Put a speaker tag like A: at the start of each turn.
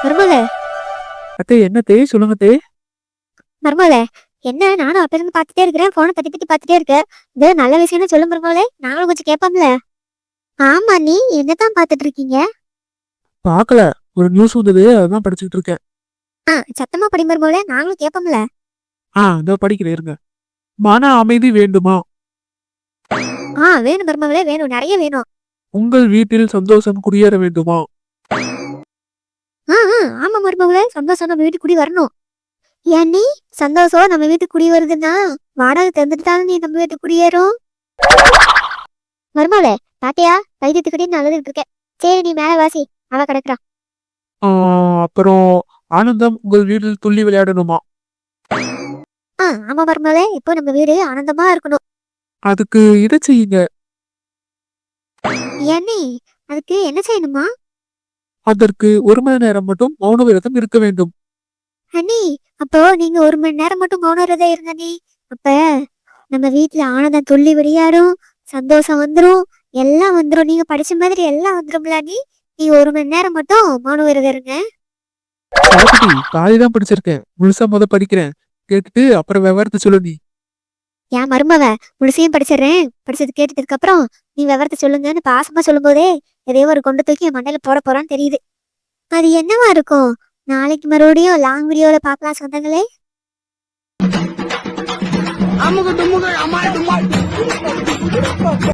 A: மருமகளே
B: அத்தே என்ன தே சொல்லுங்க தே.
A: மருமகளே, என்ன நானும் அப்ப இருந்து பாத்துட்டே இருக்கிறேன், போனை தட்டி தட்டி பாத்துட்டே இருக்கேன். இது நல்ல விஷயம்னு சொல்லு மருமகளே, நாங்களும் கொஞ்சம் கேட்போம்ல. ஆமா, நீ என்னதான் பாத்துட்டு இருக்கீங்க?
B: பார்க்கல, ஒரு நியூஸ் வந்தது அதான் படிச்சுட்டு இருக்கேன்.
A: சத்தமா படி மருமகளே, நாங்களும் கேட்போம்ல.
B: இதோ படிக்கிறேன் இருங்க. மன அமைதி வேண்டுமா?
A: வேணும் மருமகளே, வேணும், நிறைய வேணும்.
B: உங்கள் வீட்டில் சந்தோஷம் குடியேற வேண்டுமா?
A: ஆமா மருமகளே, சந்தோஷம் நம்ம வீட்டுக்கு குடி வரணும். ஏன் நீ சந்தோஷம் நம்ம வீட்டுக்கு குடி வருதுன்னா வாடகை தந்துட்டு நீ நம்ம வீட்டுக்கு குடியேறும். மருமகளே, பாத்தியா, வைத்தியத்துக்கிட்டே நல்லதுட்டு இருக்கேன். சரி, நீ மேல வாசி, அவ கிடக்குறா.
B: அப்புறம் ஆனந்தம் உங்கள் வீட்டில் துள்ளி விளையாடணுமா?
A: ஆமா மருமகளே, இப்போ நம்ம வீடு ஆனந்தமா இருக்கணும்.
B: அதுக்கு இதை செய்யுங்க.
A: ஏன்னி, அதுக்கு என்ன செய்யணுமா?
B: அதற்கு 1 மணி நேரம் மட்டும் மௌன விரதம் இருக்க வேண்டும்.
A: அண்ணி, அப்போ நீங்க 1 மணி நேரம் மட்டும் மௌன விரதம் இருங்க நீ. அப்ப நம்ம வீட்டுல ஆனந்தம் துள்ளி விளையாடும், சந்தோஷம் வந்துரும், எல்லாம் வந்துரும். நீங்க படிச்ச மாதிரி எல்லாம் வந்துரும்ல. நீ 1 மணி நேரம் மட்டும் மௌன விரதம் இருங்க.
B: சரஸ்வதி, பாதிதான் படிச்சிருக்கேன், முழுசா படிக்கிறேன். கேட்டுட்டு அப்புறம் விவரத்தை சொல்லு நீ.
A: ஏன் மருமவ, முழுசையும் படிச்சிடுறேன். படிச்சது கேட்டதுக்கு அப்புறம் நீ விவரத்தை சொல்லுங்கன்னு பாசமா சொல்லும் போதே எதையோ ஒரு கொண்டு தூக்கி என் மண்டையில போட போறான்னு தெரியுது. அது என்னவா இருக்கும்? நாளைக்கு மறுபடியும் லாங் வீடியோல பாக்கலாம் சொந்தங்களே.